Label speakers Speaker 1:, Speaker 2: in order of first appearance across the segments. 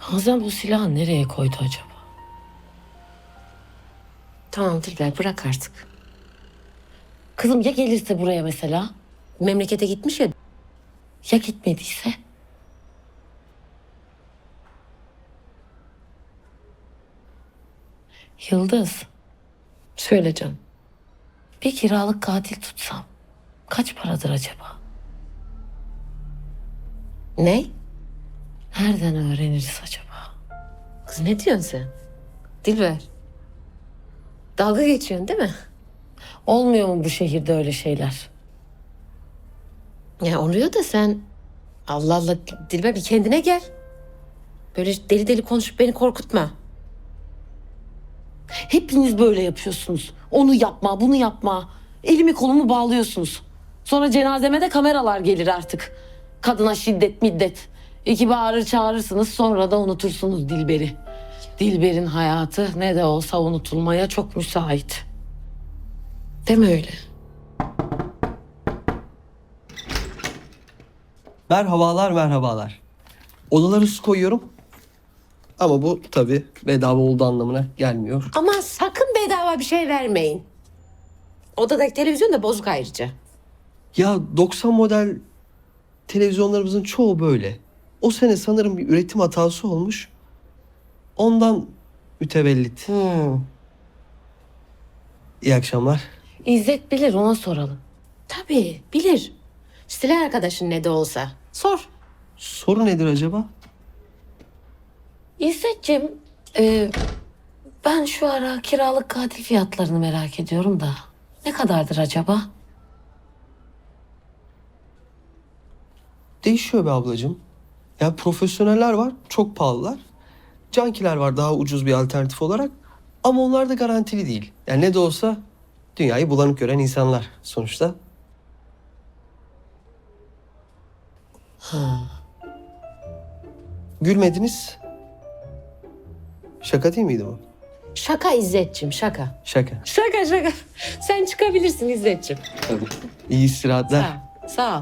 Speaker 1: Hazan bu silahı nereye koydu acaba?
Speaker 2: Tamam Dilber, bırak artık.
Speaker 1: Kızım ya gelirse buraya mesela?
Speaker 2: Memlekete gitmiş ya.
Speaker 1: Ya gitmediyse? Yıldız,
Speaker 2: Söyle canım.
Speaker 1: bir kiralık katil tutsam kaç paradır acaba?
Speaker 2: Ne?
Speaker 1: Nereden öğreniriz acaba?
Speaker 2: Kız ne diyorsun sen? Dilber. Dalga geçiyorsun değil mi?
Speaker 1: Olmuyor mu bu şehirde öyle şeyler?
Speaker 2: Ya oluyor da sen... Allah Allah Dilber, bir kendine gel. Böyle deli deli konuşup beni korkutma.
Speaker 1: Hepiniz böyle yapıyorsunuz. Onu yapma, bunu yapma. Elimi kolumu bağlıyorsunuz. Sonra cenazeme de kameralar gelir artık. Kadına şiddet, middet. İki bağırır çağırırsınız, sonra da unutursunuz Dilber'i. Dilber'in hayatı ne de olsa unutulmaya çok müsait.
Speaker 2: Deme öyle.
Speaker 3: Merhabalar, merhabalar. Odalara su koyuyorum. Ama bu tabii bedava olduğu anlamına gelmiyor.
Speaker 2: Aman sakın bedava bir şey vermeyin. Odadaki televizyon da bozuk ayrıca.
Speaker 3: Ya 90 model televizyonlarımızın çoğu böyle. O sene sanırım bir üretim hatası olmuş. Ondan mütevellit. İyi akşamlar.
Speaker 1: İzzet bilir, ona soralım.
Speaker 2: Tabii bilir. Silah arkadaşın ne de olsa. Sor.
Speaker 3: Soru nedir acaba?
Speaker 1: İzzetciğim, ben şu ara kiralık katil fiyatlarını merak ediyorum da. Ne kadardır acaba?
Speaker 3: Değişiyor be ablacığım. Ya profesyoneller var, çok pahalılar. Cankiler var daha ucuz bir alternatif olarak. Ama onlar da garantili değil. Yani ne de olsa dünyayı bulanık gören insanlar sonuçta. Gülmediniz. Şaka değil miydi bu?
Speaker 2: Şaka İzzetciğim, şaka.
Speaker 3: Şaka.
Speaker 2: Şaka şaka. Sen çıkabilirsin İzzetciğim.
Speaker 3: Tabii. İyi istirahatler.
Speaker 2: Sağ ol. Sağ ol.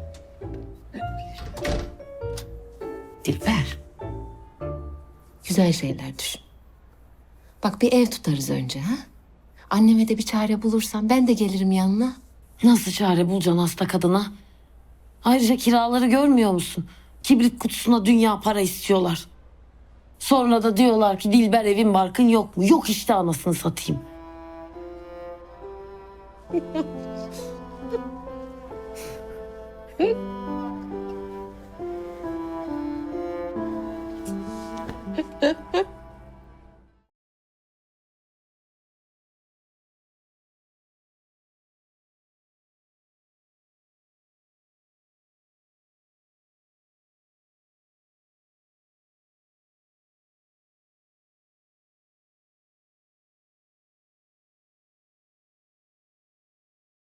Speaker 2: Dilber. Güzel şeyler düşün. Bak bir ev tutarız önce ha. Anneme de bir çare bulursan ben de gelirim yanına.
Speaker 1: Nasıl çare bulacaksın hasta kadına? Ayrıca kiraları görmüyor musun? Kibrit kutusuna dünya para istiyorlar. Sonra da diyorlar ki Dilber evin barkın yok mu? Yok işte, anasını satayım.